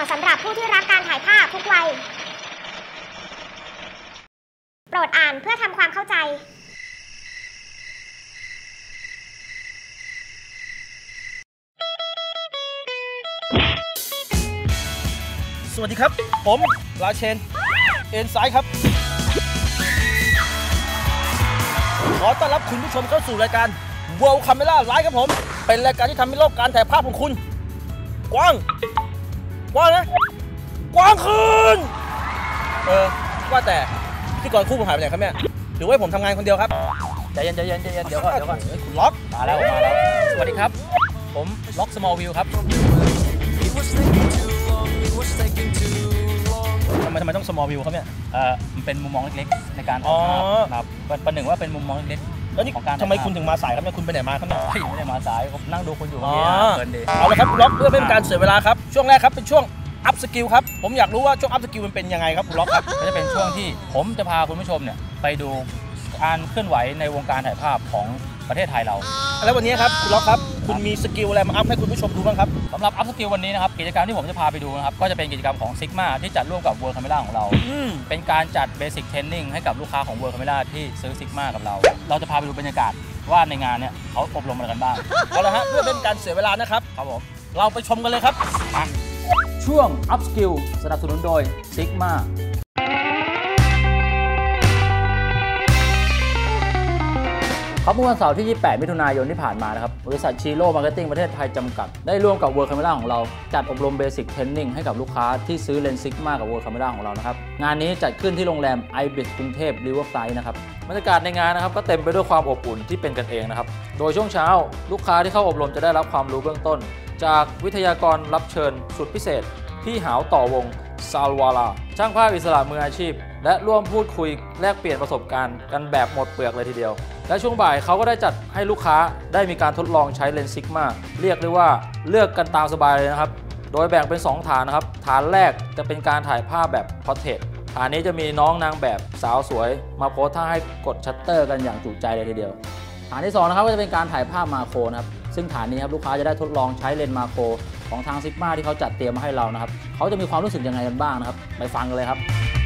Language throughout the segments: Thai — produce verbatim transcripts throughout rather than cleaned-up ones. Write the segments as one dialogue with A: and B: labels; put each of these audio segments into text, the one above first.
A: สำหรับผู้ที่รักการถ่ายภาพทุกวัยโปรดอ่านเพื่อทำความเข้าใจ
B: สวัสดีครับผมราเชนเอ็นไซด์ครับขอต้อนรับคุณผู้ชมเข้าสู่รายการ World Camera Live ครับผมเป็นรายการที่ทำให้โลกการถ่ายภาพของคุณกว้างกว้างนะกว้างขึ้นเออว่าแต่พิธีกรคู่ผมหายไปไหนครับเนี่ยหรือว่าผมทำงานคนเดียวครับใจเย็นใจเย็นใจเย็นเดี๋ยวก่อนเดี๋ยวก่อนคุณล็อกมาแล้วมาแล้วสวัสดีครับผมล็อก Small View ครับทำไมทำไมต้อง small view ครับเนี่ยเออมันเป็นมุมมองเล็กๆในการถ่ายภาพครับประหนึ่งว่าเป็นมุมมองเล็กๆแล้วนี่ทำไมคุณถึงมาสายครับเนี่ยคุณไปไหนมาครับเนี่ยไม่ได้มาสายผมนั่งดูคุณอยู่เมื่อกี้เพลินดีเอาละครับล็อกเพื่อไม่เป็นการเสียเวลาครับช่วงแรกครับเป็นช่วง up skill ครับผมอยากรู้ว่าช่วง up skill มันเป็นยังไงครับคุณล็อกครับก็จะเป็นช่วงที่ผมจะพาคุณผู้ชมเนี่ยไปดูการเคลื่อนไหวในวงการถ่ายภาพของประเทศไทยเราแล้ววันนี้ครับคุณล็อกครับคุณมีสกิลอะไรมาอัพให้คุณผู้ชมดูบ้างครับสำหรับอัพสกิลวันนี้นะครับกิจกรรมที่ผมจะพาไปดูนะครับก็จะเป็นกิจกรรมของ Sigma ที่จัดร่วมกับ World Camera ของเราเป็นการจัด Basic Training ให้กับลูกค้าของ World Camera ที่ซื้อ Sigma กับเราเราจะพาไปดูบรรยากาศว่าในงานเนี่ยเขาอบรมอะไรกันบ้างเอาละฮะเพื่อเป็นการเสียเวลานะครับครับผมเราไปชมกันเลยครับช่วง Up Skill สนับสนุนโดย Sigmaครับเมื่อวันเสาร์ที่ยี่สิบแปดมิถุนายนที่ผ่านมานะครับบริษัทชีโร่มาร์เก็ตติ้งประเทศไทยจำกัดได้ร่วมกับ World Camera ของเราจัดอบรม Basic Training ให้กับลูกค้าที่ซื้อเลนส์ Sigma กับ World Camera ของเรานะครับงานนี้จัดขึ้นที่โรงแรม Ibis กรุงเทพ Riverside นะครับบรรยากาศในงานนะครับก็เต็มไปด้วยความอบอุ่นที่เป็นกันเองนะครับโดยช่วงเช้าลูกค้าที่เข้าอบรมจะได้รับความรู้เบื้องต้นจากวิทยากรรับเชิญสุดพิเศษพี่หาวต่อวงซาลวาลาช่างภาพอิสระมืออาชีพและร่วมพูดคุยแลกเปลี่ยนประสบการณ์กันแบบหมดเปลือกเลยทีเดียวและช่วงบ่ายเขาก็ได้จัดให้ลูกค้าได้มีการทดลองใช้เลนส์ Sigma เรียกได้ว่าเลือกกันตามสบายเลยนะครับโดยแบ่งเป็นสองฐานนะครับฐานแรกจะเป็นการถ่ายภาพแบบ Portrait ฐานนี้จะมีน้องนางแบบสาวสวยมาโพสท่าให้กดชัตเตอร์กันอย่างจุใจเลยทีเดียวฐานที่สองนะครับก็จะเป็นการถ่ายภาพมาโครนะครับซึ่งฐานนี้ครับลูกค้าจะได้ทดลองใช้เลนส์มาโครของทาง Sigma ที่เขาจัดเตรียมมาให้เรานะครับเขาจะมีความรู้สึกยังไงกันบ้างนะครับไปฟังกันเลยครับ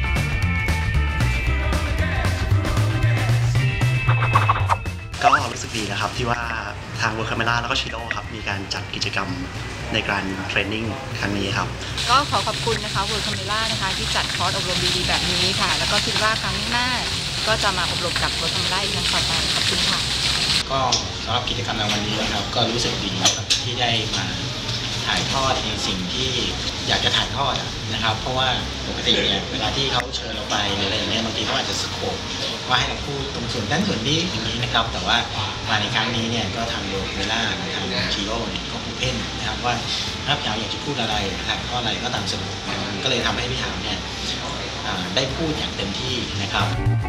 C: ก็รู้สึกดีนะครับที่ว่าทาง World Camera แล้วก็ชิโร่ครับมีการจัดกิจกรรมในการเทรนนิ่งครั้งนี้ครับ
D: ก็ขอขอบคุณนะคะ World Camera นะคะที่จัดคอร์สอบรมดีๆแบบนี้ค่ะแล้วก็คิดว่าครั้งหน้าก็จะมาอบรมกับ World Camera อีกครั้งต่อไปขอบคุณค่ะ
E: ก็สำหรับกิจกรรมในวันนี้นะครับก็รู้สึกดีครับที่ได้มาถ่ายทอดในสิ่งที่อยากจะถ่ายทอดนะครับเพราะว่าปกติเนี่ยเวลาที่เขาเชิญเราไปหรืออะไรอย่างเงี้ยบางทีเขาอาจจะสโคปว่าให้เราพูดตรงส่วนด้านส่วนนี้อย่างนี้นะครับแต่ว่ามาในครั้งนี้เนี่ยก็ทางโลเวล่าทางชีโร่เนี่ยก็โอเพ่นนะครับว่าถ้าพี่หาวอยากจะพูดอะไรถ่ายทอดอะไรก็ตามสะดวกก็เลยทำให้พี่หาวเนี่ยได้พูดอย่างเต็มที่นะครับ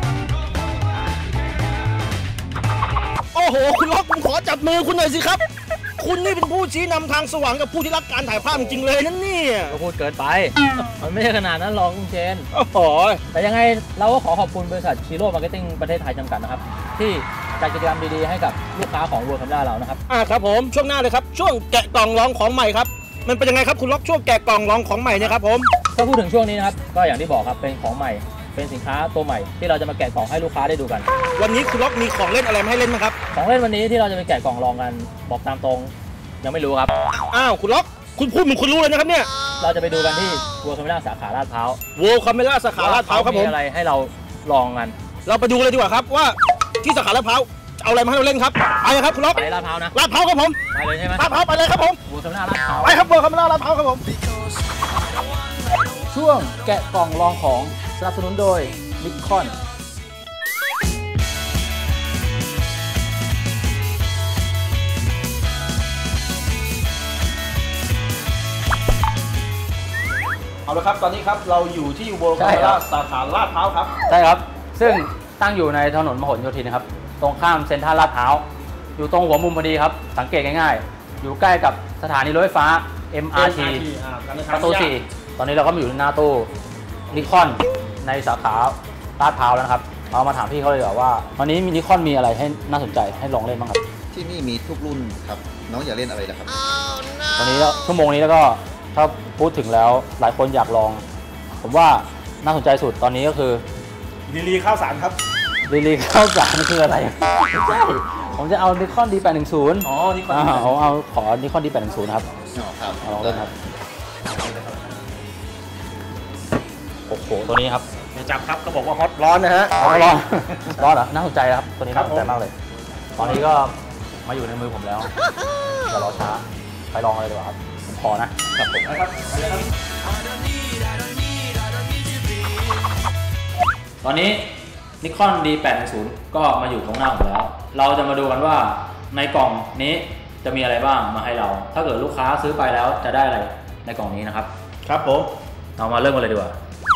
B: โอ้โหคุณล็อกผมขอจับมือคุณหน่อยสิครับคุณนี่เป็นผู้ชี้นำทางสว่างกับผู้ที่รักการถ่ายภาพจริงๆเลยนั่นนี่
F: ก็พูดเกินไปมันไม่ใช่ขนาดนั้นหรอกคุณเชน
B: โอ้โห
F: แต่ยังไงเราก็ขอขอบคุณบริษัทชีโร่มาร์เก็ตติ้งประเทศไทยจำกัดนะครับที่จัดกิจกรรมดีๆให้กับลูกค้าของ World Camera เรานะครับ
B: อ่าครับผมช่วงหน้าเลยครับช่วงแกะกล่องร้องของใหม่ครับมันเป็นยังไงครับคุณล็อกช่วงแกะกล่องร้องของใหม่เนี่ยครับผม
F: ถ้าพูดถึงช่วงนี้นะครับก็อย่างที่บอกครับเป็นของใหม่เป็นสินค้าตัวใหม่ที่เราจะมาแกะกล่องให้ลูกค้าได้ดูกัน
B: วันนี้คุณล็อกมีของเล่นอะไรมาให้เล่นไหมครับ
F: ของเล่นวันนี้ที่เราจะไปแกะกล่องลองกันบอกตามตรงยังไม่รู้ครับ
B: อ้าวคุณล็อกคุณพูดเหมือนคุณรู้เลยนะครับเนี่ย
F: เราจะไปดูกันที่ World Camera สาขาลาดพร้าว
B: World Camera สาขาลาดพร้าวครับผม
F: มีอะไรให้เราลองกัน
B: เราไปดูเลยดีกว่าครับว่าที่สาขาลาดพร้าวเอาอะไรมาให้เราเล่นครับไปครับคุณล็อก
F: ไปลาดพร้าวนะ
B: ลาดพร้าวครับผม
F: ไปเลยใช่ไหม
B: ลาดพร้าวไปเลยครับผม
F: World Camera ลาดพร้าว
B: ไปครับ World Camera ลาดพร้าวครับผม
F: ช่วงแกะกล่องลองของสนับสนุนโดยนิคอน
B: เอาละครับตอนนี้ครับเราอยู่ที่ World Camera สาขาลาดพร้าวครับ
F: ใช่ครับซึ่งตั้งอยู่ในถนนมหลโยธินนะครับตรงข้ามเซ็นทรัลลาดพร้าวอยู่ตรงหัวมุมพอดีครับสังเกตง่ายๆอยู่ใกล้กับสถานีรถไฟฟ้า เอ็ม อาร์ ที ประตูสี่ตอนนี้เราก็มาอยู่หน้าตู้นิคอนในสาขาลาดพร้าวแล้วนะครับเรามาถามพี่เขาเลยว่าวันนี้มินิคอนมีอะไรให้น่าสนใจให้ลองเล่นบ้างครับ
G: ที่นี่มีทุกรุ่นครับน้องอยากเล่นอะไรนะครับ
F: ตอนนี้ชั่วโมงนี้แล้วก็ถ้าพูดถึงแล้วหลายคนอยากลอง ผมว่าน่าสนใจสุดตอนนี้ก็คือ
G: ลีลีข้าวสารครับ
F: ลีลีข้าวสารนี่คืออะไรไม่ใช่ผมจะเอา Nikon ดี แปดหนึ่งศูนย์
G: อ๋อนี่คน
F: อ่าเอาเอาขอ Nikon ดี แปดหนึ่งศูนย์ครับ
E: ครับ
F: เอาลองเล่นครับโอ้โหตัวนี้ครับ
G: อย่าจับครับก็บอกว่าฮอตร้อนนะฮะ
F: ร้อนร้อนร้อนเหรอน่าสนใจครับตัวนี้
G: ครั
F: น่า
G: บ
F: สนใจมากเลย ตอนนี้ก็มาอยู่ในมือผมแล้วอย่ารอช้าไปลองเลยดีกว่าครับผมขอนะครับผม
G: นะครับไปเลยครับ
B: ตอนนี้ Nikon ดี แปดหนึ่งศูนย์ ก็มาอยู่ตรงหน้าผมแล้ว เราจะมาดูกันว่าในกล่องนี้จะมีอะไรบ้างมาให้เรา ถ้าเกิดลูกค้าซื้อไปแล้วจะได้อะไรในกล่องนี้นะครับ
G: ครับผม
B: เรามาเริ่มกันเลยดีกว่า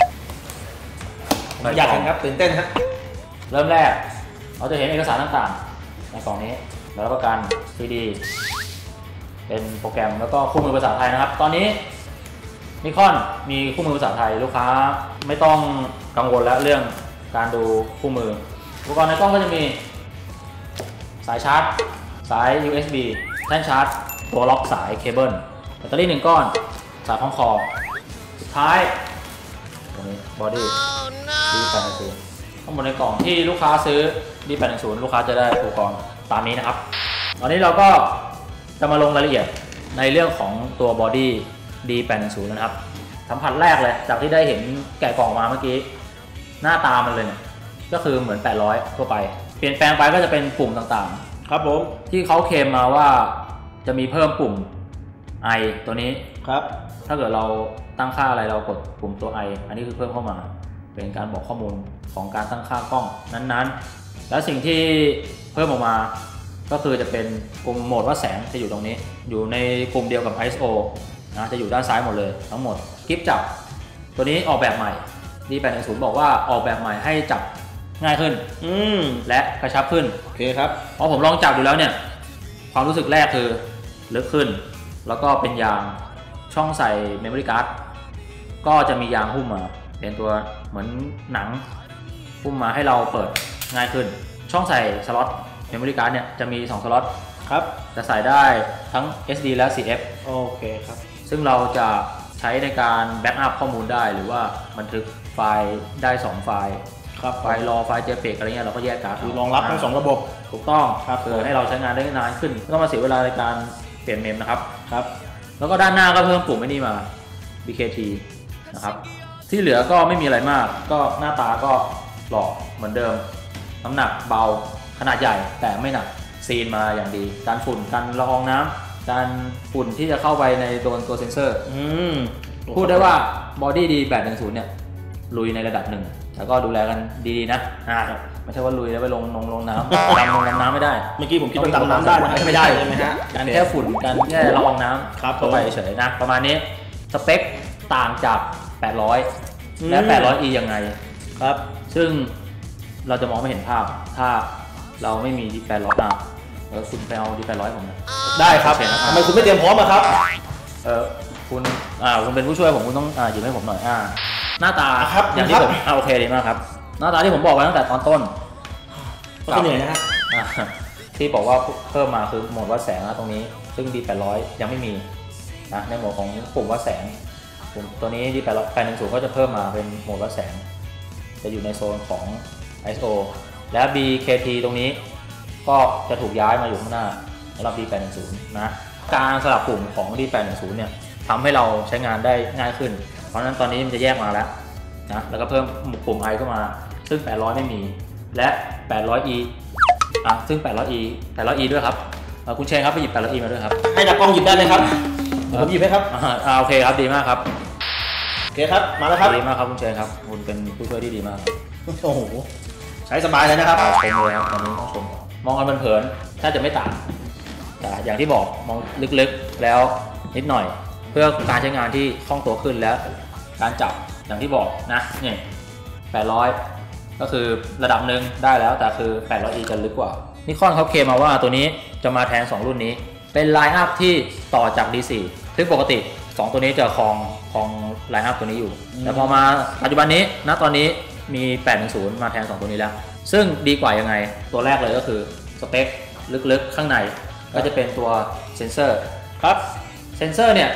G: อยากเห็นครับตื่นเต้นฮะ
B: เริ่มแรกเราจะเห็นเอกสารต่างๆในกล่องนี้แล้วรับประกัน ซี ดี เป็นโปรแกรมแล้วก็คู่มือภาษาไทยนะครับ ตอนนี้ Nikon มีคู่มือภาษาไทยลูกค้าไม่ต้องกังวลแล้วเรื่องการดูคู่มืออุปกรณ์ในกล้องก็จะมีสายชาร์จสาย ยู เอส บี แท่นชาร์จตัวล็อกสายเคเบิลแบตเตอรี่หนึ่งก้อนสายคล้องคอสุดท้ายตรงนี้บอดี้ ดี แปดหนึ่งศูนย์ ข้างบนในกล่องที่ลูกค้าซื้อ ดี แปดหนึ่งศูนย์ ลูกค้าจะได้อุปกรณ์ตามนี้นะครับตอนนี้เราก็จะมาลงรายละเอียดในเรื่องของตัวบอดี้ ดี แปดหนึ่งศูนย์ นะครับสัมผัสแรกเลยจากที่ได้เห็นแกะกล่องมาเมื่อกี้หน้าตามันเลยเนี่ยก็คือเหมือนแปดร้อยทั่วไปเปลี่ยนแปลงไปก็จะเป็นปุ่มต่างๆ
G: ครับผม
B: ที่เขาเคลมมาว่าจะมีเพิ่มปุ่ม I ตัวนี้
G: ครับ
B: ถ้าเกิดเราตั้งค่าอะไรเรากดปุ่มตัว I อันนี้คือเพิ่มเข้ามาเป็นการบอกข้อมูลของการตั้งค่ากล้องนั้นๆแล้วสิ่งที่เพิ่มออกมาก็คือจะเป็นปุ่มโหมดวัดแสงจะอยู่ตรงนี้อยู่ในปุ่มเดียวกับ ไอ เอส โอ นะจะอยู่ด้านซ้ายหมดเลยทั้งหมดกิฟจับตัวนี้ออกแบบใหม่ ดี แปดหนึ่งศูนย์ บอกว่าออกแบบใหม่ให้จับง่ายขึ้น
G: อืม
B: และกระชับขึ้น
G: โอเคครับ
B: เพราะผมลองจับดูแล้วเนี่ยความรู้สึกแรกคือลึกขึ้นแล้วก็เป็นยางช่องใส่ Memory Card ก็จะมียางหุ้มมาเป็นตัวเหมือนหนังหุ้มมาให้เราเปิดง่ายขึ้นช่องใส่สล็อต Memory Card เนี่ยจะมีสองสล็อต
G: ครับ
B: จะใส่ได้ทั้ง เอส ดี และ ซี เอฟ
G: โอเคครับ
B: ซึ่งเราจะใช้ในการแบ็กอัพข้อมูลได้หรือว่าบันทึกไฟล์ได้สองไฟล์
G: ครับ
B: ไฟล์รอไฟล์ เจพี อี จี อะไรเงี้ยเราก็แยกการ์ด
G: คือรองรับทั้งสองระบบ
B: ถูกต้อง
G: ครับ
B: คือให้เราใช้งานได้นานขึ้นไม่ต้องมาเสียเวลาในการเปลี่ยนเมมนะครับ
G: ครับ
B: แล้วก็ด้านหน้าก็เพิ่มปุ่มไอ้นี่มา บี เค ที นะครับที่เหลือก็ไม่มีอะไรมากก็หน้าตาก็หล่อเหมือนเดิมน้ำหนักเบาขนาดใหญ่แต่ไม่หนักซีนมาอย่างดีการฝุ่นกันละอองน้ำการฝุ่นที่จะเข้าไปในโดนตัวเซ็นเซอร์
G: อืม
B: พูดได้ว่าบอดี้ดี แปดหนึ่งศูนย์ เนี่ยลุยในระดับหนึ่งแล้วก็ดูแลกันดีๆนะอ่าไม่ใช่ว่าลุยแล้วไปลงนงลงน้ำ ดำลงน้ำไม่ได้
G: เมื่อกี้ผมคิดว่าดำน้ำได้นะไม่ได้ใช่ไหมฮะ
B: การแค่ฝุ่นการแค่ละอองน้
G: ครับ
B: ำเข้าไปเฉยๆนะประมาณนี้สเปคต่างจากแปดร้อยและ แปดร้อยอี ยังไง
G: ครับ
B: ซึ่งเราจะมองไม่เห็นภาพถ้าเราไม่มี ดี แปดร้อย อ่ะเออคุณไปเอา ดี แปดร้อย ผมนะ
G: ได้ครับ
B: โอเคนะ
G: ทำไมคุณไม่เตรียมพร้อมอะครับ
B: เออคุณอ่าคุณเป็นผู้ช่วยผมคุณต้องอ่าหยิบให้ผมหน่อยอ่าหน้าตา
G: ครับ
B: อย่างที่ผมอ่าโอเคดีมากครับหน้าตาที่ผมบอกไว้ตั้งแต่ตอนต้น
G: ก็เหนื่อยนะฮะ
B: อ่าที่บอกว่าเพิ่มมาคือโหมดวัดแสงนะตรงนี้ซึ่ง ดี แปดร้อย ยังไม่มีนะในโหมดของปุ่มวัดแสงปุ่มตัวนี้ ดี แปดร้อย แปดหนึ่งศูนย์ ก็จะเพิ่มมาเป็นโหมดวัดแสงจะอยู่ในโซนของ ไอ เอส โอ และ บี เค ที ตรงนี้ก็จะถูกย้ายมาอยู่ข้างหน้าสำหรับ ดี แปดหนึ่งศูนย์ นะการสลับปุ่มของ ดี แปดหนึ่งศูนย์ เนี่ยทำให้เราใช้งานได้ง่ายขึ้นเพราะฉะนั้นตอนนี้มันจะแยกมาแล้วนะแล้วก็เพิ่มปุ่ม I เข้ามาซึ่งแปดร้อยไม่มีและ แปดร้อยอี อ่ะซึ่ง แปดร้อยอี แปดร้อยอี ด้วยครับคุณเชนครับไปหยิบ แปดร้อยอี มาด้วยครับ
G: ให้นักกล้องหยิบได้เลยครับผมหยิบให้ครับ
B: อ่าโอเคครับดีมากครับ
G: โอเคครับมาแล้วครับ
B: ดีมากครับคุณเชนครับคุณเป็นผู้ช่วยที่ดีมาก
G: โอ้โหใช้สบายเลยนะครับ
B: ชมเลยครับตอนนี้ต้องชมมองกันเพลินๆถ้าจะไม่ต่างแต่อย่างที่บอกมองลึกๆแล้วนิดหน่อย เพื่อการใช้งานที่คล่องตัวขึ้นแล้วการจับอย่างที่บอกนะเนี่ยแปดร้อยก็คือระดับหนึ่งได้แล้วแต่คือ แปดร้อยอี จะลึกกว่านิคอนเขาเคลมมาว่าตัวนี้จะมาแทนสองรุ่นนี้เป็นไลน์อัพที่ต่อจาก ดี โฟร์ ซึ่งปกติสองตัวนี้จะครองครองไลน์อัพตัวนี้อยู่แต่พอมาปัจจุบันนี้ณตอนนี้มี แปดหนึ่งศูนย์ มาแทนสองตัวนี้แล้วซึ่งดีกว่ายังไงตัวแรกเลยก็คือสเปคลึกๆข้างในก็จะเป็นตัวเซนเซอร์ครับเซนเซอร์เนี่ย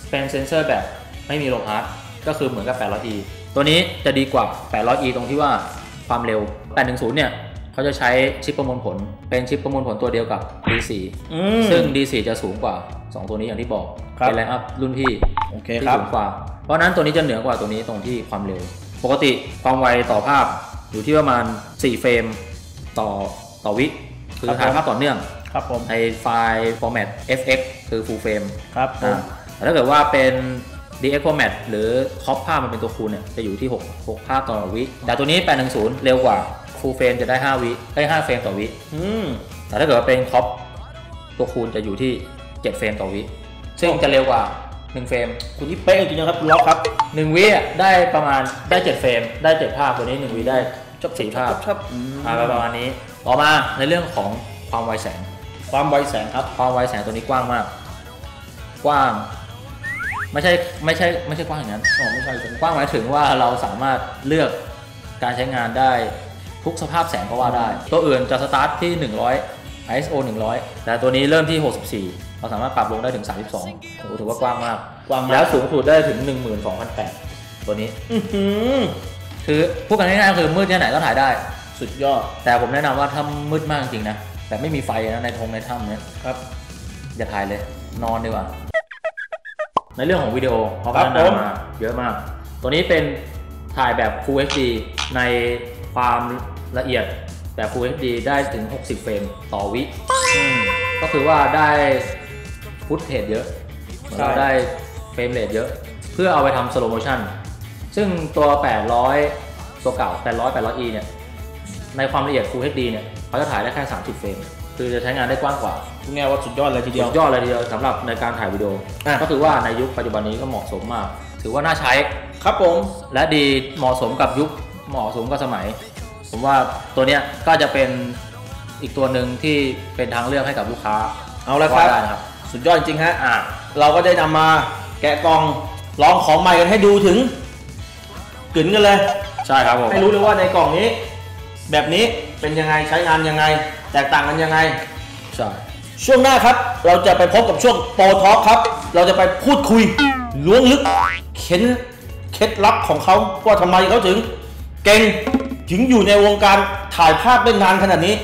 B: เป็นเซนเซอร์แบบไม่มีโลฮาร์ดก็คือเหมือนกับ แปดร้อยอี ตัวนี้จะดีกว่า แปดร้อยอี ตรงที่ว่าความเร็ว แปดหนึ่งศูนย์ เนี่ยเขาจะใช้ชิปประมวลผลเป็นชิปประมวลผลตัวเดียวกับ ดี โฟร์
G: อืม
B: ซึ่ง ดี โฟร์ จะสูงกว่าสองตัวนี้อย่างที่บอก
G: ครับ
B: เป็นไลน์อัพรุ่นพี่
G: โอเค
B: ที่
G: ครับ
B: สูงกว่าเพราะนั้นตัวนี้จะเหนือกว่าตัวนี้ตรงที่ความเร็วปกติความไวต่อภาพอยู่ที่ประมาณสี่เฟรมต่อต่อวิคือถ่ายภาพต่อเนื่อง
G: ครับผม
B: ในไฟล์ format เอฟ เอ็กซ์ คือ full frame
G: ครับผม
B: แต่ถ้าเกิดว่าเป็น ดี เอ็กซ์ format หรือ crop ภาพมันเป็นตัวคูณเนี่ยจะอยู่ที่หก หกภาพต่อวิแต่ตัวนี้แปดหนึ่งศูนย์เร็วกว่า full frame จะได้ห้าวิได้ห้าเฟรมต่อวิ
G: อืม
B: แต่ถ้าเกิดว่าเป็น crop ตัวคูณจะอยู่ที่เจ็ดเฟรมต่อวิซึ่งจะเร็วกว่าหนึ่งเฟรม
G: คุณนี่เป๊ะจริงๆนะครับคุณล็อกครับ
B: หนึ่งวิอ่ะได้ประมาณได้เจ็ดเฟรมได้เจ็ดภาพตัวนี้หนึ่งวิได้จบสี่ภาพ
G: ครับอืม
B: อ่าประมาณนี้ต่อมาในเรื่องของความไวแสง
G: ความไวแสงครับ
B: ความไวแสงตัวนี้กว้างมาก กว้าง ไม่ใช่ไม่ใช่ไม่ใช่กว้างอย่างนั้น
G: อ๋อไม่ใช่ผม
B: กว้างหมายถึงว่าเราสามารถเลือกการใช้งานได้ทุกสภาพแสงก็ว่าได้ ตัวอื่นจะสตาร์ทที่หนึ่งร้อย ไอ เอส โอ หนึ่งร้อยแต่ตัวนี้เริ่มที่หกสิบสี่เราสามารถปรับลงได้ถึงสามสิบสองโอ้โหถือว่ากว้างมาก
G: กว้างมาก
B: แล้วสูงสุดได้ถึง หนึ่งหมื่นสองพันแปดร้อย ตัวนี้
G: อื้อหือ
B: คือพูดกันง่ายๆคือมืดที่ไหนก็ถ่ายได้
G: สุดยอด
B: แต่ผมแนะนำว่าถ้ามืดมากจริงๆนะแต่ไม่มีไฟนะในทงในถ้ำเนี่ย
G: ครับ
B: อย่าถ่ายเลยนอนดีกว่า ในเรื่องของวิดีโอเขา
G: ครั
B: พั
G: บ
B: ฒนา
G: ผม
B: มาเยอะมาก ตัวนี้เป็นถ่ายแบบ Full เอช ดี ในความละเอียดแบบ Full เอช ดี ได้ถึงหกสิบเฟรมต่อวิก็คือว่าได้ฟุตเทจเยอะเหมือนเราได้เฟรมเรทเยอะ เพื่อเอาไปทำ slow motion ซึ่งตัว แปดร้อย ตัวเก่า แปดร้อย แปดร้อยอี เนี่ยในความละเอียด Full เอช ดี เนี่ยเขาจะถ่ายได้แค่สามสิบเฟรมคือจะใช้งานได้กว้างกว่า
G: คุณแง่ว่าสุดยอดเลยทีเดียว
B: สุดยอดเลยทีเดียวสำหรับในการถ่ายวิดีโอ
G: อ่ะ
B: ก็คือว่าในยุคปัจจุบันนี้ก็เหมาะสมมาก ถือว่าน่าใช้
G: ครับผม
B: และดีเหมาะสมกับยุคเหมาะสมกับสมัย ผมว่าตัวเนี้ยก็จะเป็นอีกตัวหนึ่งที่เป็นทางเลือกให้กับลูกค้า
G: เอาละครับ
B: ว่าได้นะครับ
G: สุดยอดจริงๆฮะ
B: อ่า
G: เราก็ได้นำมาแกะกล่องลองของใหม่กันให้ดูถึงกึ๋นกันเลย
B: ใช่ครับผม
G: ให้รู้เลยว่าในกล่องนี้ แบบนี้เป็นยังไงใช้งานยังไง แตกต่างกันยังไง
B: ใช่
G: ช่วงหน้าครับเราจะไปพบกับช่วงโปรทอล์คครับ เราจะไปพูดคุยล้วงลึกเข็นเคล็ดลับของเขาว่าทำไมเขาถึงเก่งถึงอยู่ในวงการถ่ายภาพได้นานขนาดนี้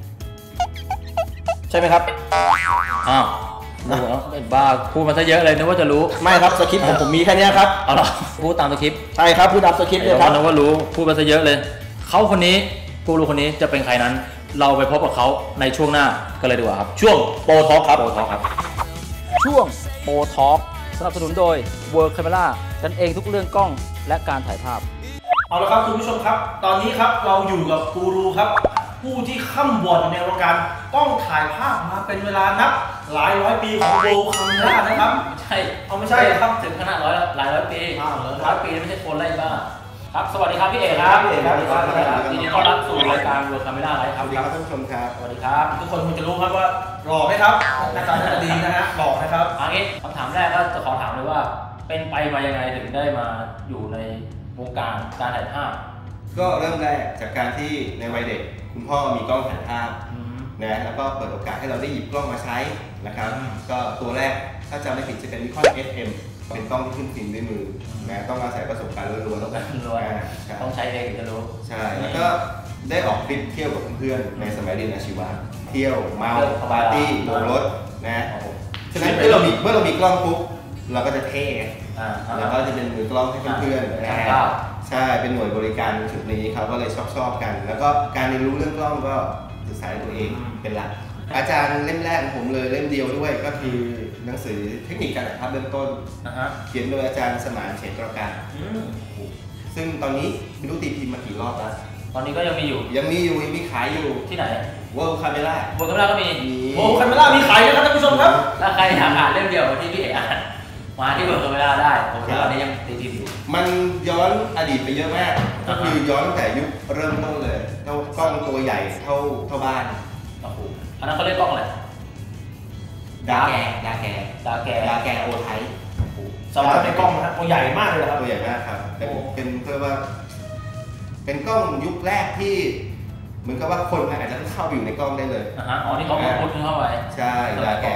G: ใช่ไหมครับ
B: อ้าวโอ้โหบ้าพูดมาซะเยอะเลยนึกว่าจะรู้
G: ไม่ครับสคริปต์ผมผมมีแค่นี้ครับ
B: เอาล่ะพูดตามสคริปต์
G: ใช่ครับผู้ดับสคริปต์
B: เดี๋
G: เลย ยว ครับ
B: นึกว่ารู้พูดมาซะเยอะเลยเขาคนนี้กูรูคนนี้จะเป็นใครนั้น เราไปพบกับเขาในช่วงหน้ากันเลยดีกว่าครับ
G: ช่วงโปรทอล์คครับ
B: โปรทอล์คครับ ช่วงโปรทอล์คสนับสนุนโดย World Camera กันเองทุกเรื่องกล้องและการถ่ายภาพ
G: เอาละครับคุณผู้ชมครับ ตอนนี้ครับเราอยู่กับกูรูครับ ผู้ที่ข้ามบอดในวงการกล้องถ่ายภาพมาเป็นเวลานับหลายร้อยปีของโบว์คัมรานะครับ
B: ใช่
G: เอาไม่ใช่ครับ
B: ถึงขนาดร้อยหลายร้อยปี
G: อ้าวเหรอ
B: ร้อยปีไม่ใช่คนไล่บ้าครับสวัสดีครับพี่เอกครับ
G: พี่เอกครับ
B: สวัสดีครับยินดีต้อนรับสู่รายการ World Camera Live ครับ
H: สวัสดีครับท่านผู้ชมครับ
B: สวัสดีครับ
G: ทุกคนคงจะรู้ครับว่าหล่อไหมครับหน้าตาหน้าตาดีนะฮะหล่อนะครับ
B: อันนี้คำถามแรกก็จะขอถามเลยว่า เป็นไปมายังไงถึงได้มาอยู่ในวงการการถ่ายภาพ
H: ก็เริ่มแรกจากการที่ในวัยเด็กคุณพ่อมีกล้องถ่ายภาพนะแล้วก็เปิดโอกาสให้เราได้หยิบกล้องมาใช้นะครับก็ตัวแรกถ้าจำไม่ผิดจะเป็น Nikon เอส เอ็ม เป็นกล้องที่ขึ้นฟิล์มด้วยมือนะต้องอาศัยประสบการณ์ล้วนๆ
B: ต้องการล้วน
H: อ่าใช่
B: ต้องใช้เองถึงจะรู้
H: ใช่แล้วก็ได้ออกทริปเที่ยวกับเพื่อนๆในสมัยเรียนอาชีวะเที่ยวเมาปาร์ตี้โบกรถนะฉะนั้นเมื่อเรามีเมื่อเรามีกล้องปุ๊บเราก็จะเท่
B: อ่า
H: แล้วก็จะเป็นมือกล้องให้เพื่อนๆ
B: อ่า
H: นะ
B: ครับ
H: ใช่เป็นหน่วยบริการจุดนี้เขาก็เลยชอบชอบกัน แล้วก็การเรียนรู้เรื่องกล้องก็ศึกษาตัวเองเป็นหลักอาจารย์เล่มแรกของผมเลยเล่มเดียวด้วยก็คือหนังสือเทคนิคการถ่ายภาพเบื้องต้น
B: นะฮะ
H: เขียนโดยอาจารย์สมานเฉตรการซึ่งตอนนี้ไม่รู้ตีพิมพ์มากี่รอบแล้ว
B: ตอนนี้ก็ยังมีอยู่
H: ยังมีอยู่ยังมีขายอยู่
B: ที่ไหน
H: World Camera
B: บนกำลังก็มี
H: มี
G: โอ้คันเมล่ามีขายนะครับท่านผู้ชมครับ
B: ถ้าใครอยากอ่านเล่มเดียวกับที่พี่เอกอ่านมาที่บนกำลังได้ผมตอนนี้ยังตีพิมพ์อยู่
H: มันย้อนอดีตไปเยอะมากก็คือย้อนตั้งแต่ยุคเริ่มต้นเลยเท่ากล้องตัวใหญ่เท่าเท่าบ้าน
B: โอ้โหอันนั้นเขาเรียกกล้องอะไร
H: ดาแกดาแก
B: ดาแก
H: ดาแกโอไทป์
G: สวัสดีในกล้องนะฮะตัวใหญ่มากเลยนะครับ
H: ตัวใหญ่มากครับเป็นเป็นเพื่อว่า เป็นกล้องยุคแรกที่ เหมือนกับว่าคนอาจจะเข้าไปอยู่ในกล้องได้เลย
B: อ่าฮะอ๋อนี่เขาพูดเข้าไป
H: ใช่ดาแกนะค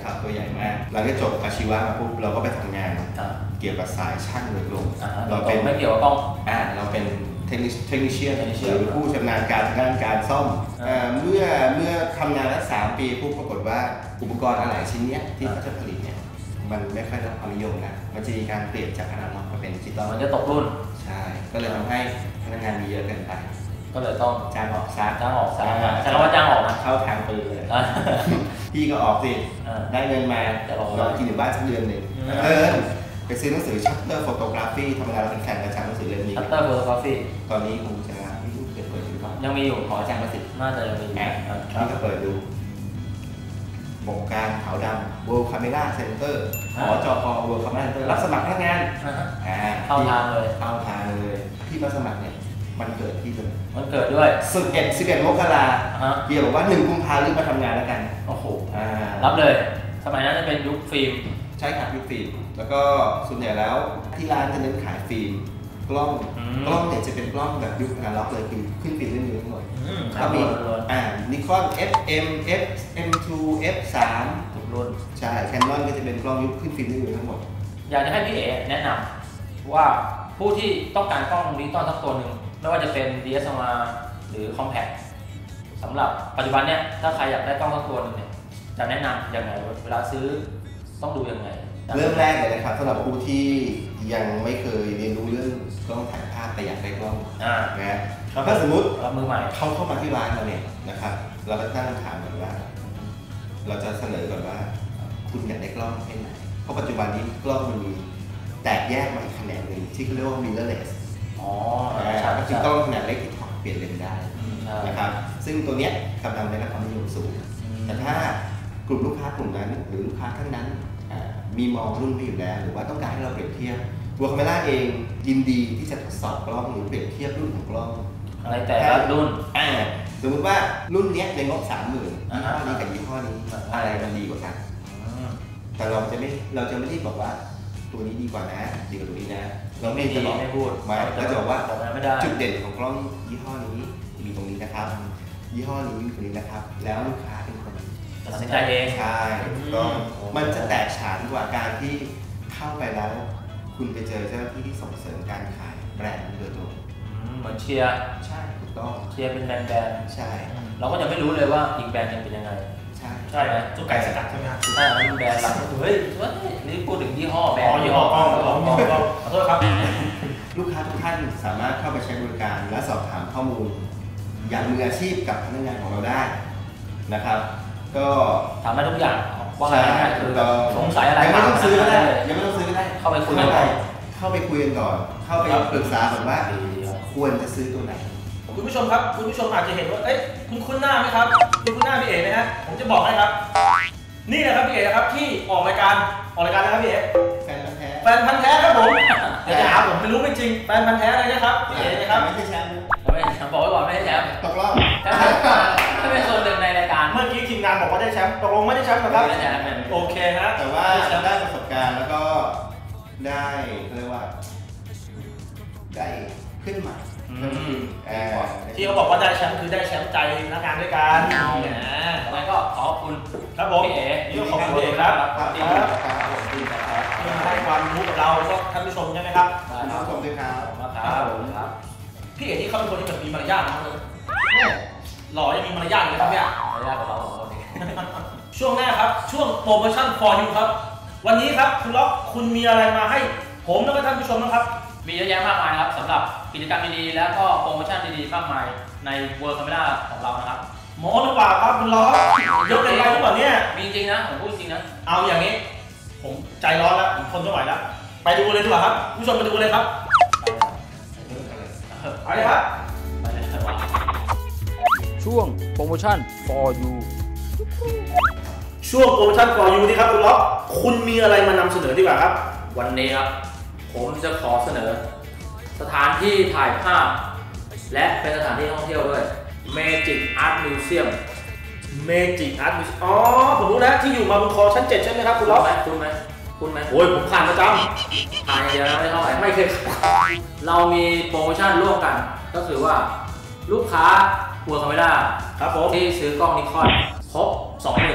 H: นะครับตัวใหญ่มากหลังจากจบอาชีวะมาปุ๊บเราก็ไปทำงานเกี่ยวกับสายช่างโดยตรงเราเป็น
B: ไม่เกี่ยวกับกล้อง
H: อ่าเราเป็นเทคนิคเทคนิชเชียนหรือผู้ชำนาญการด้านการซ่อมเมื่อเมื่อทำงานได้สามปีปุ๊บปรากฏว่าอุปกรณ์อะไรชิ้นนี้ที่เขาจะผลิตเนี่ยมันไม่ค่อยได้รับความนิยมนะมันจะมีการเปลี่ยนจากอนาล็อกมาเป็นดิจิตอล
B: มันจะตกรุ่น
H: ใช่ก็เลยทำให้พนักงานมีเยอะเกินไป
B: ก็เลยต้อง
H: จ้างออกซะ
B: จ้างออกซะใช่ว่าจ้างออกนะ
H: เข้าทางปืนเลยพี่ก็ออกสิได้เงินมาเรากินอยู่บ้านสักเดือนหนึ่งเออไปซื้อหนังสือ Shutter Photography ธรรมดาเราเป็นแฟนประจำหนังสือเล่มนี้
B: Shutter Photography
H: ตอนนี้คงจะไม่รู้เปิดอยู่หรือเปล่า
B: ยังมีอยู่
H: ขออาจารย์ประสิทธิ์
B: น่าจะยังมีอยู่
H: พี่ก็เปิดดูโครงการขาวดำ World Camera Center หอจก World Camera Center รับสมัครพนักงาน
B: เข้าทางเลย
H: เข้าทางเลยที่มาสมัครเนี่ยมันเกิดที่เลย
B: มันเกิดด้วย
H: สิบเอ็ด สิบเอ็ดมกราเกี่ยวกับว่าหนึ่งกุมภาพันธ์รีบมาทำงานแล้วกัน
B: โอ้โหรับเลยสมัยนั้นจะเป็นยุคฟิล์ม
H: ใช่ครับยุคฟิล์มแล้วก็ส่วนใหญ่แล้วที่ร้านจะเน้นขายฟิล์มกล้องกล้องเนี่ยจะเป็นกล้องแบบยุคอนาล็อกเลยคือขึ้นฟิล์มเล่นๆทั้งหมดก็มีอ่า Nikon เอฟ เอ็ม เอฟ เอ็ม ทู เอฟ สาม
B: ทุกรุ่น
H: ใช่ Canon ก็จะเป็นกล้องยุคขึ้นฟิล์มเล่นๆทั้งหมด
B: อยากจะให้พี่เอ๋แนะนำว่าผู้ที่ต้องการกล้องดิจิตอลสักตัวหนึ่งไม่ว่าจะเป็น ดี เอส แอล อาร์ หรือ Compact สำหรับปัจจุบันเนี่ยถ้าใครอยากได้กล้องสักตัวหนึ่งเนี่ยจะแนะนำยังไงเวลาซื้อต้องดูยังไง
H: เริ่มแรกเลยนะครับสำหรับผู้ที่ยังไม่เคยเรียนรู้เรื่องกล้องถ่ายภาพแต่อยากได้กล้องนะถ้าสมมติ
B: มือใหม่
H: เขาเข้ามาที่ร้านเราเนี่ยนะครับเราก็ตั้งคำถามก่อนว่าเราจะเสนอก่อนว่าคุณอยากได้กล้องแค่ไหนเพราะปัจจุบันนี้กล้องมันมีแตกแยกมาอีกแขนงหนึ่งที่เขาเรียกว่า mirrorless
B: อ๋อ
H: ก็คือกล้องขนาดเล็กที่ถอดเปลี่ยนเลนส์ได้นะครับซึ่งตัวเนี้ยกำลังได้รับความนิยมสูงแต่ถ้ากลุ่มลูกค้ากลุ่มนั้นหรือลูกค้าท่านนั้นมีมองรุ่นไม่อยู่แล้วหรือว่าต้องการให้เราเปรียบเทียบWorld Cameraเองยินดีที่จะทดสอบกล้องหรือเปรียบเทียบรุ่นของกล้อง
B: ในแต่ละรุ่น
H: สมมติว่ารุ่นนี้ในงบสามหมื่นยี่ห้อนี้กับยี่ห้อนี้อะไรมันดีกว่ากันแต่เราจะไม่เราจะไม่ได้บอกว่าตัวนี้ดีกว่านะดีกว่าตัวนี้นะเราไม่จะบอก
B: ไม่พูด
H: มาเราจะบอกว่าจุดเด่นของกล้องยี่ห้อนี้มีตรงนี้นะครับยี่ห้อนี้มีตรงนี้นะครับแล้วลูกค้าเป็นคน
B: ตัดสินใจเอง
H: ใช่ก็มันจะแตกฉานกว่าการที่เข้าไปแล้วคุณไปเจอเจ้าหน้าที่ที่ส่งเสริมการขายแบรนด์โดยตรง
B: เหมือนเชียร์
H: ใช่ถูกต้อง
B: เชียร์เป็นแบรนด์แบรนด์
H: ใช่
B: เราก็จะไม่รู้เลยว่าอีกแบรนด์นึงเป็นยังไง
H: ใช่
B: ใช่ไหม
H: จุกไก่สกัดใช่ไหมครับ
B: ใช่เป็นแบรนด์หลักเฮ้ยนี่พูดถึงยี่ห้อแบรนด์
H: ยี่ห้อกล้องกล้องกล้องกล้องขอโทษครับลูกค้าทุกท่านสามารถเข้าไปใช้บริการและสอบถามข้อมูลอย่างมืออาชีพกับพนักงานของเราได้นะครับก็
B: ถามได้ทุกอย่างว่าง่ายๆคือสงสัยอะไร
H: ยังไม่ต้องซื้อก็ได้ยังไม่ต้องซื้อก็ได้
B: เข้าไปคุยกัน
H: เข้าไปคุยกันก่อนเข้าไปปรึกษาก่อนว่าควรจะซื้อตัวไหน
G: คุณผู้ชมครับคุณผู้ชมอาจจะเห็นว่าเอ้ยคุณคุ้นหน้าไหมครับคุณคุ้นหน้าพี่เอ๋ไหมฮะผมจะบอกให้ครับนี่แหละครับพี่เอ๋ครับที่ออกรายการออกรายการนะครับพี่เอ๋
H: แฟนพันธุ์แท้
G: แฟนพันธุ์แท้ครับผมเดี๋ยวจะหาผมไม่รู้ไม่จริงแฟนพันธุ์แท้เลยนะครับพี่เอ๋นะครับ
H: ไม่ใช่แชมป์
B: ไม่บอกไว้ก่อนไม่ใช่แชมป์
H: ตกรอบ
B: ถ้าเป็นส่วนหนึ่งในรายการ
G: เมื่อกี้ทีมงานบอกว่าได้แชมป์ตกลงไม่ได้แชมป์นะครับโอเคฮะ
H: แต่ว่าได้ประสบการณ์แล้วก็ได้เรียกว่าได้ขึ้นมา
G: ที่เขาบอกว่าได้แชมป์คือได้แชมป์ใจพนักงานด้วยกัน
B: นะแล้วก็ขอบคุณ
G: ครับผม
B: พี่เอ๋
G: นี่ขอบคุณเอ๋ครับครับที่ให้ความรู้กับเราแล้วก็ท่านผู้ชมใช่ไหมครับ
H: ท่านผู้ชมด้วยครับ
B: ครับ
G: พี่เอ๋ที่เขาเป็นคนที่แบบมีมารยาทมากเลยหล่อยังมีมารยาทเลยครับเนี่ย
B: มารยาทของเราของเราเอง
G: ช่วงหน้าครับช่วงโปรโมชั่น for you ครับวันนี้ครับคุณล็อกคุณมีอะไรมาให้ผมแล้วก็ท่านผู้ชมนะครับ
B: มีเยอะแยะมากมายครับสำหรับกิจกรรมดีๆแล้วก็โปรโมชั่นดีๆมากมายใน World Camera ของเรานะครับ
G: โม้หรือเปล่าครับคุณล็อกยกเป็นไปหรือเปล่าเนี่ย
B: มีจริงนะผมพูดจริงนะ
G: เอาอย่างนี้ผมใจร้อนแล้วผมทนไม่ไหวแล้วไปดูเลยดีกว่าครับผู้ชมไปดูเลยครับไปเลยครับ
B: ช่วงโปรโมชั่น for you
G: ช่วงโปรโมชั่น for you นี่ครับคุณล็อกคุณมีอะไรมานำเสนอดีกว่าครับ
B: วันนี้ครับผมจะขอเสนอสถานที่ถ่ายภาพและเป็นสถานที่ท่องเที่ยวด้วย Magic Art Museum
G: Magic Art Museum อ๋อผมรู้แล้วที่อยู่มาบนคอชั้นเจ็ดใช่ไหมครับคุณล็อก
B: คุณไหมคุณไหม
G: โอ้ยผมผ่านประจำ
B: ผ่านอย่างเดียวนะไม่เท่าไหร่ไม่เคยเรามีโปรโมชั่นร่วมกันก็คือว่าลูกค้าWorld Camera
G: ครับผม
B: ที่ซื้อกล้องนิคอนครบ สองหมื่น บาท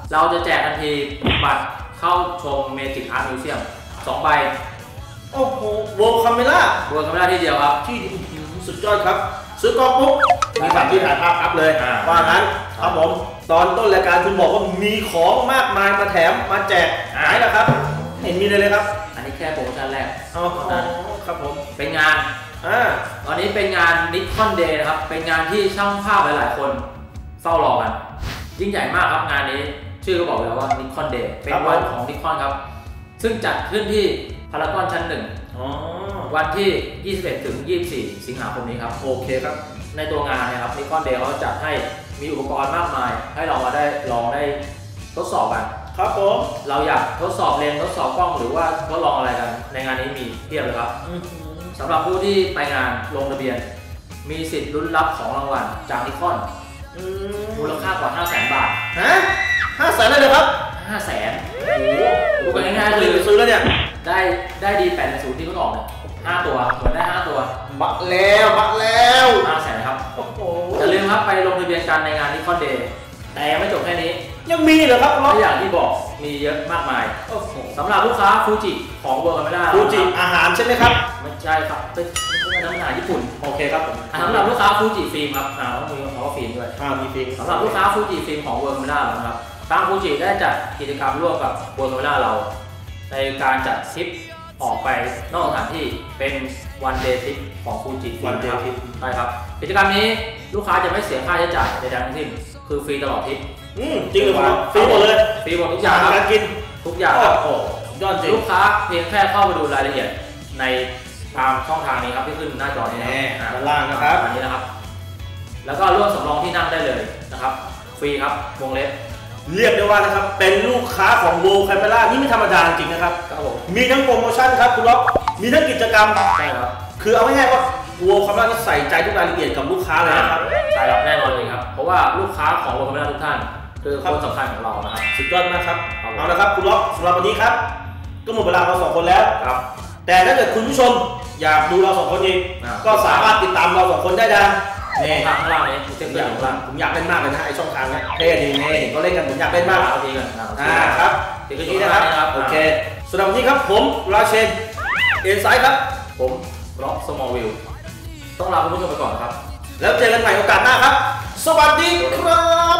B: เราจะแจกทันทีบัตรเข้าชมเมจิกอาร์ตมิวเซียมสองใบ
G: โอ้โหโวลคาเมล่า
B: เวิร์คคาเมล่าที่เดียวครับ
G: ที่สุดยอดครับซื้อกล้องปุ๊บมีบัตรที่ถ่ายภาพครับเลยว่างั้นครับผมตอนต้นรายการคุณบอกว่ามีของมากมายมาแถมมาแจกหายแล้วครับเห็นมีเลยเลยครับ
B: อันนี้แค่โปรโมชั่นแรก
G: อ๋อครับผม
B: เป็นงานอ่าตอนนี้เป็นงานนิคอนเดย์นะครับเป็นงานที่ช่างภาพหลายๆคนเฝ้ารอกันยิ่งใหญ่มากครับงานนี้ชื่อก็บอกแล้วว่านิคอนเดย์เป็นวันของนิคอนครับซึ่งจัดขึ้นที่พารากอนชั้นหนึ่งวันที่ยี่สิบเอ็ดถึงยี่สิบสี่สิงหาคมนี้ครับโอเคครับในตัวงานนะครับนิคอนเดย์เขาจัดให้มีอุปกรณ์มากมายให้เรามาได้ลองได้ทดสอบกัน
G: ครับผม
B: เราอยากทดสอบเลนส์ทดสอบกล้องหรือว่าทดลองอะไรกันในงานนี้มีเพียบเลยครับสำหรับผู้ที่ไปงานลงทะเบียนมีสิทธิ์ลุ้นรับของรางวัลจากนิคอนมูลค่ากว่า ห้าแสน บาท
G: ฮะห้าแสนเลยเหรอครับ
B: ห้าแสนโอ้โหดูกันง่ายๆคือ
G: ซื้อแล้วเนี่ย
B: ได้ได้ดีแปดศูนย์ที่เพิ่งออกเนี่ยห้าตัวเหมือนได้ห้าตัว
G: บัตรแล้วบัตรแล้ว
B: ห้าแสนครับโอ้โหอย่าลืมครับไปลงทะเบียนกันในงานนิคอนเดย์แต่ยังไม่จบแค่นี้
G: ยังมีเหรอครับ
B: ทุกอย่างที่บอกมีเยอะมากมายสำหรับลูกค้าฟูจิของเวิร์คคาเมล่า
G: ฟูจิอาหารใช่ไหมครับ
B: ไม่ใช่ครับเป็นน้ำอาหารญี่ปุ่น
G: โอเคครับผม
B: สำหรับลูกค้าฟูจิฟิล์มครับอ่าต้องมีคำว่าฟิล์มด้วย
G: อ่ามีฟิล์ม
B: สำหรับลูกค้าฟูจิฟิล์มของเวิร์คคาเมล่านะครับทางฟูจิได้จัดกิจกรรมร่วมกับเวิร์คคาเมล่าเราในการจัดทริปออกไปนอกสถานที่เป็นวันเดย์ทริปของฟูจิ
G: วันเดย์ทริป
B: ใช่ครับกิจกรรมนี้ลูกค้าจะไม่เสียค่าใช้จ่ายใดๆทั้งสิ้นคือฟรีตลอดทริป
G: อืมจริงหรือเปล่าฟรีหมดเลย
B: ฟรีหมดทุกอย่าง
G: การกิน
B: ทุกอย่างโอ้ยอดจริงลูกค้าเพียงแค่เข้าไปดูรายละเอียดในตามช่องทางนี้ครับที่ขึ้นหน้าจอนี้นะ
G: ด้านล่างนะครับ
B: อันนี้นะครับแล้วก็ร่วมสำรองที่นั่งได้เลยนะครับฟรีครับวงเล็บ
G: เรียกได้ว่านะครับเป็นลูกค้าของโวลคาเมล่านี่ไม่ธรรมดาจริงนะครับ
B: ครับผม
G: มีทั้งโปรโมชั่นครับคุณล็อกมีทั้งกิจกรรม
B: ใช่ครับ
G: คือเอาง่ายๆว่าโวลคาเมล่านี่ใส่ใจทุกรายละเอียดกับลูกค้าเลยนะครับ
B: ใช่ครับแน่นอนเลยครับเพราะว่าลูกค้าของโวลคาเมล่าทุกท่านคือคนสำคัญของเรานะครับ
G: สุดยอดมากครับเอาละครับคุณล็อกสำหรับวันนี้ครับก็หมดเวลาเราสองคนแล้ว
B: ครับ
G: แต่ถ้าเกิดคุณผู้ชมอยากดูเราสองคนอีกก็สามารถติดตามเราสองคนได้ดัง
B: นี่ทางข้างล่างนี้
G: เช่นอย่างล่างผมอยากเล่นมากเลยนะไอช่องทางนี้เท่ดีนี่ก็เล่นกันผมอยากเล่นมาก
B: เอาดีกัน
G: อ่าครับ
B: ติดกันที่นะครับ
G: โอเคสำหรับวันนี้ครับผมราเชนเอ็นไซด์ครับ
B: ผมร็อกสมอลวิลต้องลาคุณผู้ชมไปก่อนครับ
G: แล้วเจอกันใหม่โอกาสหน้าครับสวัสดีครับ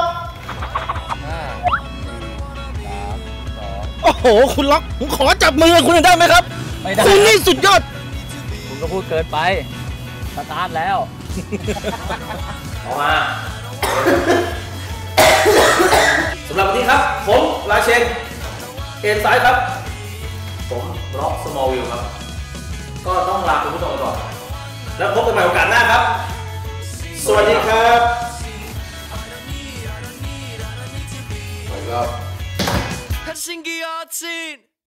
G: โอ้โหคุณล็อกผมขอจับมือคุณได้ไหมครับ
B: ไม่ได้
G: คุณนี่สุดยอด
B: คุณก็พูดเกินไปสตาร์ทแล้วออกมา
G: สำหรับวันนี้ครับผมราเชนเอ็นไซด์ครับ
B: ผมร็อกสมอลวิลครับก็ต้องลาคุณผู้ชมไปก่อน
G: แล้วพบกันใหม่โอกาสหน้าครับสวัสดีครับสวัสดีครับ